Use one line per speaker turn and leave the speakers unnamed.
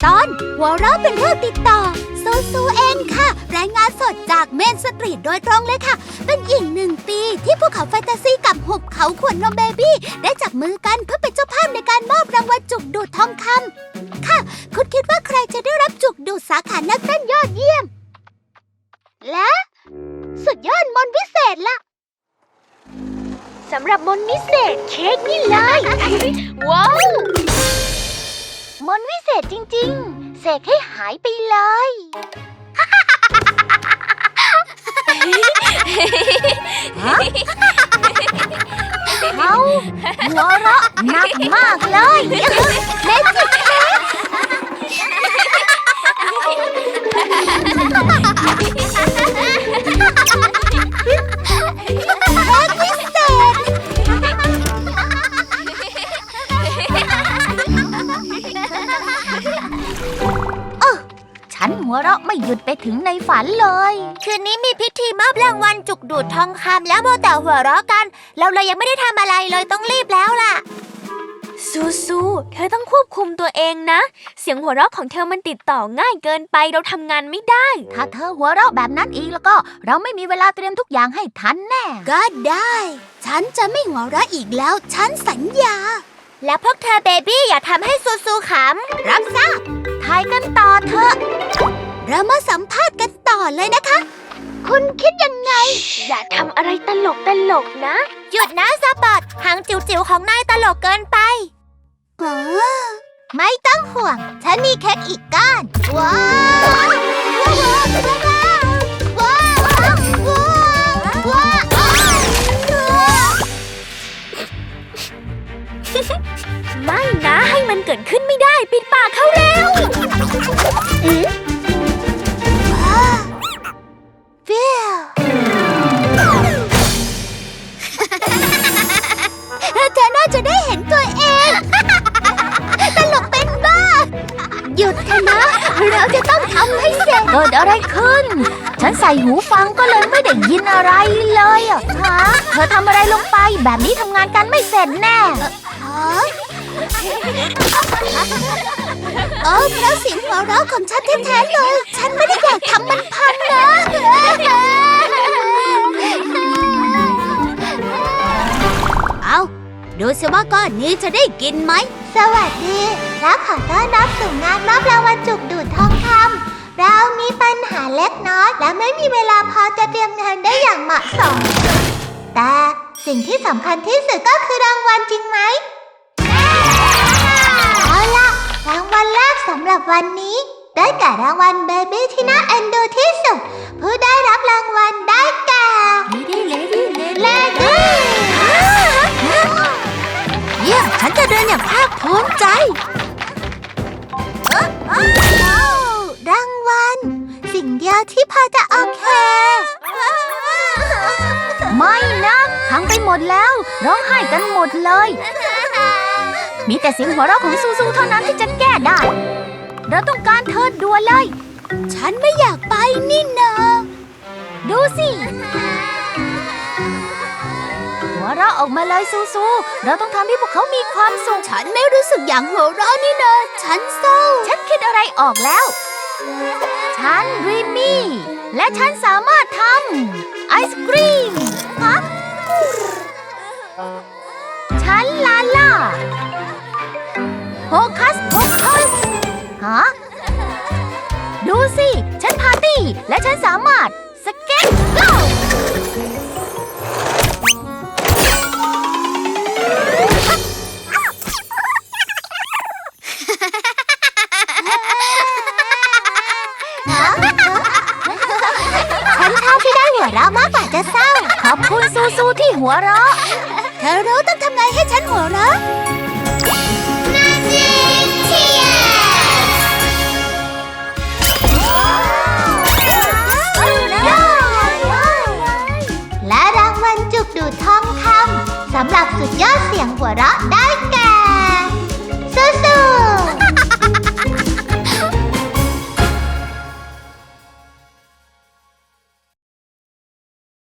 ตอนหัวเราะเป็นเรื่องติดต่อซูเองค่ะรายงานสดจากเมนสตรีทโดยตรงเลยค่ะเป็นอีก1 ปีที่ภูเขาแฟนตาซีกับหุบเขาขวดนมเบบี้ได้จับมือกันเพื่อเป็นเจ้าภาพในการมอบรางวัลจุกดูดทองคำค่ะคุณคิดว่าใครจะได้รับจุกดูดสาขานักเต้นยอดเยี่ยมและสุดยอดมนต์วิเศษล่ะ
สำหรับมนต์วิเศษเค้กนี่เลย ว้าวมนต์วิเศษจริงๆเสกให้หายไปเลย
เขาหัวเราะหนักมากเลยเมจิกเค้กวิเศษฉันหัวเราะไม่หยุดไปถึงในฝันเลย
คืนนี้มีพิธีมอบรางวัลจุกดูดทองคำแล้วโมแต่หัวเราะกันเราเลยยังไม่ได้ทำอะไรเลยต้องรีบแล้วล่ะซูเธอต้องควบคุมตัวเองนะเสียงหัวเราะของเธอมันติดต่อง่ายเกินไปเราทำงานไม่ได้
ถ้าเธอหัวเราะแบบนั้นอีกแล้วก็เราไม่มีเวลาเตรียมทุกอย่างให้ทันแน่ก็ได้ฉันจะไม่หัวเราะอีกแล้วฉันสัญญา
แล้วพวกเธอเบบี้อย่าทำให้ซูขำ
รับทราบถ่ายกันต่อเถอะเรามาสัมภาษณ์กันต่อเลยนะคะคุณคิดยังไง
อย่าทำอะไรตลกนะหยุดนะสปอตหางจิ๋วๆของนายตลกเกินไป
ไม่ต้องห่วงฉันมีเค้กอีกก้อนว้าว
ไม่นะให้มันเกิดขึ้นไม่ได้ปิดปากเขาแล้ว
เธอน่าจะได้เห็นตัวเองตลกเป็นบ้าหยุดเถอะนะเราจะต้องทำให้เสร็จเกิดอะไรขึ้นฉันใส่หูฟังก็เลยไม่ได้ยินอะไรเลยอ่ะฮะเธอทำอะไรลงไปแบบนี้ทำงานกันไม่เสร็จแน่เพราะเสียงหัวเราะของฉันแท้ๆเลยฉันไม่ได้อยากทำมันพังนะเอาดูสิว่าก้อนนี้จะได้กินไหมสวัสดีและขอต้อนรับสู่งานมอบรางวัลจุกดูดทองคำเรามีปัญหาเล็กน้อยและไม่มีเวลาพอจะเตรียมงานได้อย่างเหมาะสมแต่สิ่งที่สำคัญที่สุดก็คือรางวัลจริงไหมเอาล่ะรางวัลแรกสำหรับวันนี้ได้แก่รางวัลเบบี้ที่น่าเอ็นดูที่สุดผู้ได้รับรางวัลได้แก่เลดี้เยี่ยมฉันจะเดินอย่างภาคภูมิใจรางวัลสิ่งเดียวที่พอจะโอเคไม่นะทั้งไปหมดแล้วร้องไห้กันหมดเลยมีแต่เสียงหัวเราะของซูเท่านั้นที่จะแก้ได้เราต้องการเธอด่วนเลยฉันไม่อยากไปนี่นาดูสิหัวเราะออกมาเลยซูเราต้องทำให้พวกเขามีความสุขฉันไม่รู้สึกอย่างหัวเราะนี่นาฉันเศร้าฉันคิดอะไรออกแล้วฉันรีมี่และฉันสามารถทำไอศกรีมฮะฉันลาล่าโฮคัสฮะดูสิฉันพาร์ตี้และฉันสามารถสเก็ตโก้ฉันชอบที่ได้หัวเราะมากกว่าจะเศร้าขอบคุณซูที่หัวเราะเธอรู้ต้องทำไงให้ฉันหัวเราะ